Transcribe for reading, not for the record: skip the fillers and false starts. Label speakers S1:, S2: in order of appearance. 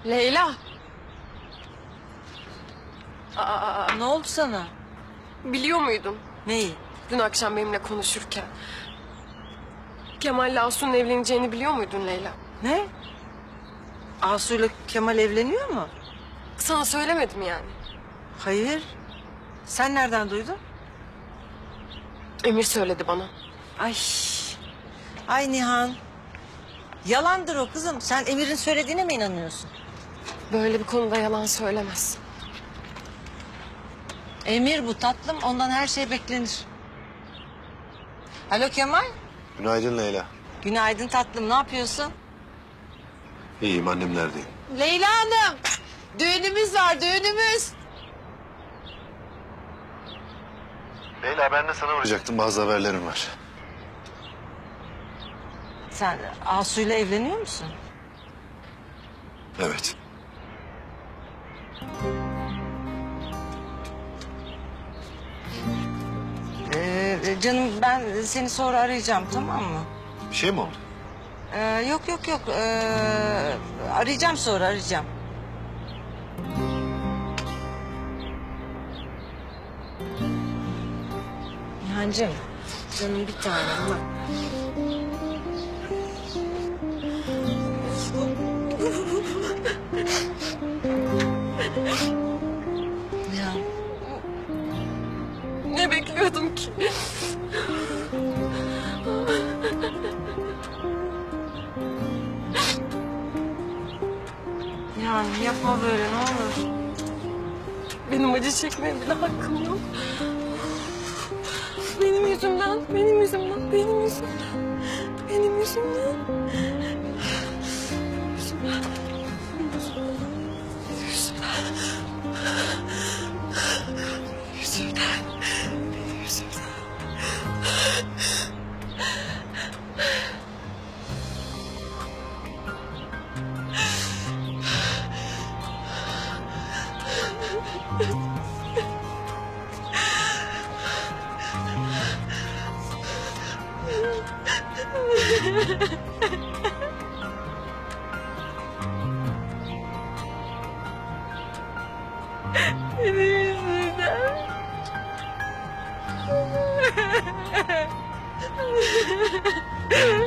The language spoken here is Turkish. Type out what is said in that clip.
S1: Leyla.
S2: Ne oldu sana?
S1: Biliyor muydun
S2: Neyi?
S1: dün akşam benimle konuşurken? Kemal'le Asu'nun evleneceğini biliyor muydun Leyla?
S2: Ne? Asu'yla Kemal evleniyor mu?
S1: Sana söylemedim yani.
S2: Hayır. Sen nereden duydun?
S1: Emir söyledi bana.
S2: Ay. Ay Nihan. Yalandır o kızım. Sen Emir'in söylediğine mi inanıyorsun?
S1: Böyle bir konuda yalan söylemez.
S2: Emir bu tatlım. Ondan her şey beklenir. Alo Kemal.
S3: Günaydın Leyla.
S2: Günaydın tatlım. Ne yapıyorsun?
S3: İyiyim, annemlerdeyim.
S2: Leyla Hanım. Düğünümüz var, düğünümüz.
S3: Leyla, ben de sana uğrayacaktım. Bazı haberlerim var.
S2: Sen Asu'yla evleniyor musun?
S3: Evet.
S2: Canım ben seni sonra arayacağım, tamam mı?
S3: Bir şey mi oldu?
S2: Yok yok yok. Arayacağım sonra, arayacağım. Nihancığım, canım bir tanem bak. Ya
S1: Ne bekliyordum ki?
S2: Nihan yapma böyle, ne olur.
S1: Benim acı çekmeye bile hakkım yok. Benim yüzümden, benim yüzümden, benim yüzümden. Benim yüzümden. Benim yüzümden. Benim yüzümden. Benim yüzümden. Benim yüzümden. Benim yüzümden. Benim yüzümden.